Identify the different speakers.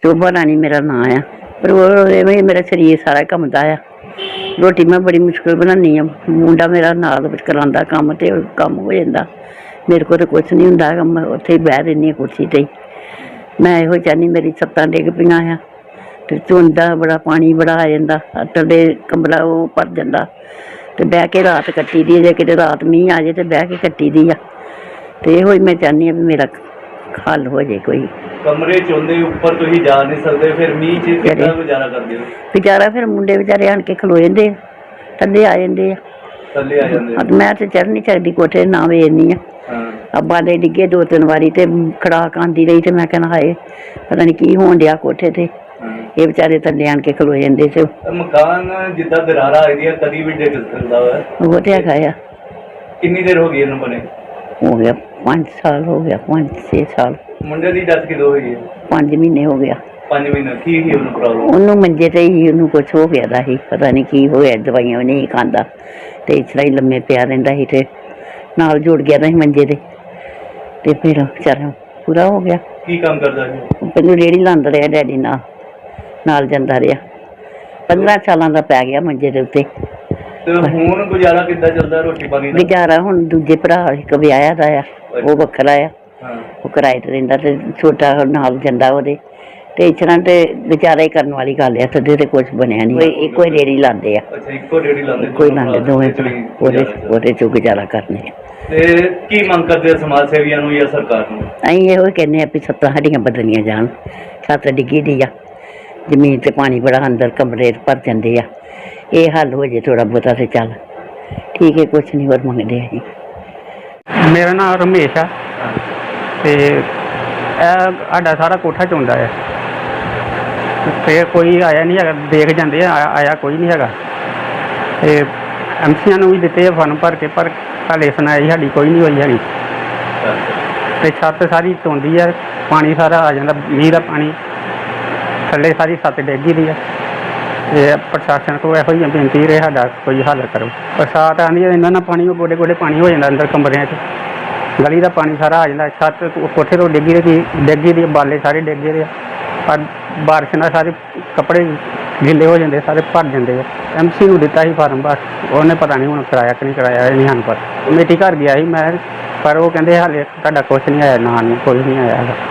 Speaker 1: शोभा रानी मेरा नाम है। पर वो मेरा शरीर सारा कंबदा आ। रोटी मैं बड़ी मुश्किल बनानी आ। मुंडा मेरा नाल करांदा कम ते कम हो जाता। मेरे को तो कुछ नहीं हुंदा। मैं उत्थे ही बह रही कुर्सी ते। मैं इहो चाहनी मेरी सत्तां डिग पईयां आ ते धुंदा बड़ा पानी बड़ा आ जांदा। थल्ले कमरा वो भर जांदा ते बह के रात कट्टी दी। जे किते रात मींह आ जाए ते बह के कट्टी दी आ। ते इहो मैं चाहनी आ भी मेरा हल हो जाए कोई।
Speaker 2: कमरे च होंदे उपर तुसीं जा नहीं सकदे, फिर मींह च किद्दां गुजारा करदे हो?
Speaker 1: गुजारा फिर मुंडे बेचारे आण के खलो जांदे थल्ले आ जांदे आ।
Speaker 2: थल्ले आ जांदे?
Speaker 1: मैं ते चढ़ नहीं सकदी कोठे ना वेखनी आ। अब्बा दे डिग्गे 2-3 वारी ते खड़ाक आंदी रही ते मैं कहना हाए पता नहीं की होण डिया कोठे ते। ये बेचारे थल्ले आण के खलो जांदे ते
Speaker 2: मकान जिद्दां दरारा आई दियां कदी भी डिग सकदा है।
Speaker 1: वो ते हैगा आ।
Speaker 2: कितनी देर हो गई इन्हूं बने?
Speaker 1: हो गया 5 साल हो गया, 5-6 साल।
Speaker 2: मुंडे दी डेथ किदों होई है?
Speaker 1: 5 महीने हो गया।
Speaker 2: 5 महीने की ही उन्हें प्रॉब्लम?
Speaker 1: ਉਹਨੂੰ ਮੰਜੇ ਤੇ ਹੀ ਉਹਨੂੰ ਕੁਛ ਹੋ ਗਿਆ ਦਾ ਸੀ। ਪਤਾ ਨਹੀਂ ਕੀ ਹੋਇਆ, ਦਵਾਈਆਂ ਵੀ ਨਹੀਂ ਖਾਂਦਾ ਤੇ ਇਸ ਤਰ੍ਹਾਂ ਹੀ ਲੰਮੇ ਪਿਆ ਰਹਿੰਦਾ ਸੀ ਤੇ ਨਾਲ ਜੁੜ ਗਿਆ ਦਾ ਸੀ ਮੰਜੇ ਤੇ ਫਿਰ ਵਿਚਾਰਾ ਪੂਰਾ ਹੋ ਗਿਆ।
Speaker 2: ਕੀ ਕੰਮ ਕਰਦਾ ਸੀ?
Speaker 1: ਪਹਿਲਾਂ ਰੇਹੜੀ ਲਾਉਂਦਾ ਰਿਹਾ ਡੈਡੀ ਨਾਲ ਜਾਂਦਾ ਰਿਹਾ। 15 ਸਾਲਾਂ ਦਾ ਪੈ ਗਿਆ ਮੰਜੇ ਦੇ ਉੱਤੇ।
Speaker 2: ਤੇ ਹੁਣ ਗੁਜ਼ਾਰਾ ਕਿੱਦਾਂ ਚੱਲਦਾ ਰੋਟੀ ਪਾਣੀ ਦਾ?
Speaker 1: ਗੁਜ਼ਾਰਾ ਹੁਣ ਦੂਜੇ ਭਰਾ ਇੱਕ ਵਿਆਹਿਆ ਦਾ ਆ, ਉਹ ਵੱਖਰਾ ਆ। ਉਹ ਕਿਰਾਏ ਤੇ ਰਹਿੰਦਾ ਤੇ ਛੋਟਾ ਨਾਲ ਜਾਂਦਾ ਉਹਦੇ ਤੇ ਇਸ ਤਰ੍ਹਾਂ ਤੇ ਗੁਜ਼ਾਰਾ ਹੀ ਕਰਨ ਵਾਲੀ ਗੱਲ ਆ। ਸਦੇ ਤੇ ਕੁਛ ਬਣਿਆ ਨਹੀਂ। ਇੱਕੋ ਹੀ ਰੇਹੜੀ ਲਾਉਂਦੇ ਆ।
Speaker 2: ਅੱਛਾ, ਇੱਕੋ ਰੇਹੜੀ ਲਾਉਂਦੇ?
Speaker 1: ਕੋਈ ਲਾਉਂਦੇ ਦੋਵੇਂ ਉਹਦੇ ਚੋਂ ਗੁਜ਼ਾਰਾ ਕਰਨੇ ਆ।
Speaker 2: ਤੇ ਕੀ ਮੰਗ ਕਰਦੇ ਆ ਸਮਾਜ ਸੇਵੀਆਂ ਨੂੰ ਜਾਂ ਸਰਕਾਰ ਨੂੰ?
Speaker 1: ਅਸੀਂ ਇਹੋ ਕਹਿੰਦੇ ਆ ਵੀ ਛੱਤਾਂ ਸਾਡੀਆਂ ਬਦਲੀਆਂ ਜਾਣ। ਛੱਤ ਡਿੱਗੀ ਦੀ ਆ, ਜ਼ਮੀਨ ਤੇ ਪਾਣੀ ਬੜਾ ਅੰਦਰ ਕਮਰੇ ਭਰ ਜਾਂਦੇ ਆ। ਇਹ ਹੱਲ ਹੋ ਜੇ ਥੋੜਾ ਬਹੁਤਾ ਤੇ ਚੱਲ ਠੀਕ ਹੈ। ਕੁਛ ਨਹੀਂ ਹੋਰ ਮੰਗਦੇ ਅਸੀਂ।
Speaker 3: ਮੇਰਾ ਨਾਮ ਰਮੇਸ਼ ਆ ਤੇ ਇਹ ਸਾਡਾ ਸਾਰਾ ਕੋਠਾ ਚੋਂਦਾ ਹੈ ਤੇ ਕੋਈ ਆਇਆ ਨਹੀਂ ਹੈਗਾ। ਦੇਖ ਜਾਂਦੇ ਆ, ਆਇਆ ਕੋਈ ਨਹੀਂ ਹੈਗਾ। ਤੇ ਐਮਸੀਆਂ ਨੂੰ ਵੀ ਦਿੱਤੇ ਫਨ ਭਰ ਕੇ, ਪਰ ਹਾਲੇ ਸੁਣਾਈ ਸਾਡੀ ਕੋਈ ਨਹੀਂ ਹੋਈ ਹੈਗੀ। ਤੇ ਛੱਤ ਸਾਰੀ ਧੋਂਦੀ ਹੈ, ਪਾਣੀ ਸਾਰਾ ਆ ਜਾਂਦਾ, ਮੀਂਹ ਦਾ ਪਾਣੀ ਥੱਲੇ ਸਾਰੀ ਛੱਤ ਡਿੱਗੀ ਦੀ ਹੈ। ਤੇ ਪ੍ਰਸ਼ਾਸਨ ਕੋਲ ਇਹੋ ਹੀ ਬੇਨਤੀ ਰਹੇ ਸਾਡਾ ਕੋਈ ਹੱਲ ਕਰੋ। ਬਰਸਾਤ ਆਉਂਦੀ ਹੈ ਇਹਨਾਂ ਨਾਲ ਪਾਣੀ ਉਹ ਗੋਡੇ ਪਾਣੀ ਹੋ ਜਾਂਦਾ ਅੰਦਰ ਕਮਰਿਆਂ 'ਚ। ਗਲੀ ਦਾ ਪਾਣੀ ਸਾਰਾ ਆ ਜਾਂਦਾ। ਛੱਤ ਕੋਠੇ ਤੋਂ ਡਿੱਗੀ ਦੀ ਬਾਲੇ ਸਾਰੇ ਡਿੱਗੇ ਦੇ ਆ। ਪਰ ਬਾਰਿਸ਼ ਨਾਲ ਸਾਰੇ ਕੱਪੜੇ ਗਿੱਲੇ ਹੋ ਜਾਂਦੇ, ਸਾਰੇ ਭਰ ਜਾਂਦੇ ਆ। ਐਮਸੀ ਨੂੰ ਦਿੱਤਾ ਸੀ ਫਾਰਮ, ਬਸ ਉਹਨੇ ਪਤਾ ਨਹੀਂ ਹੁਣ ਕਰਾਇਆ ਕਿ ਨਹੀਂ ਕਰਾਇਆ, ਇਹ ਨਹੀਂ ਸਾਨੂੰ ਪਤਾ। ਕਮੇਟੀ ਘਰ ਗਿਆ ਸੀ ਮੈਂ, ਪਰ ਉਹ ਕਹਿੰਦੇ ਹਾਲੇ ਤੁਹਾਡਾ ਕੁਛ ਨਹੀਂ ਆਇਆ, ਨਾ ਨਹੀਂ ਕੋਈ ਨਹੀਂ ਆਇਆ ਹੈਗਾ।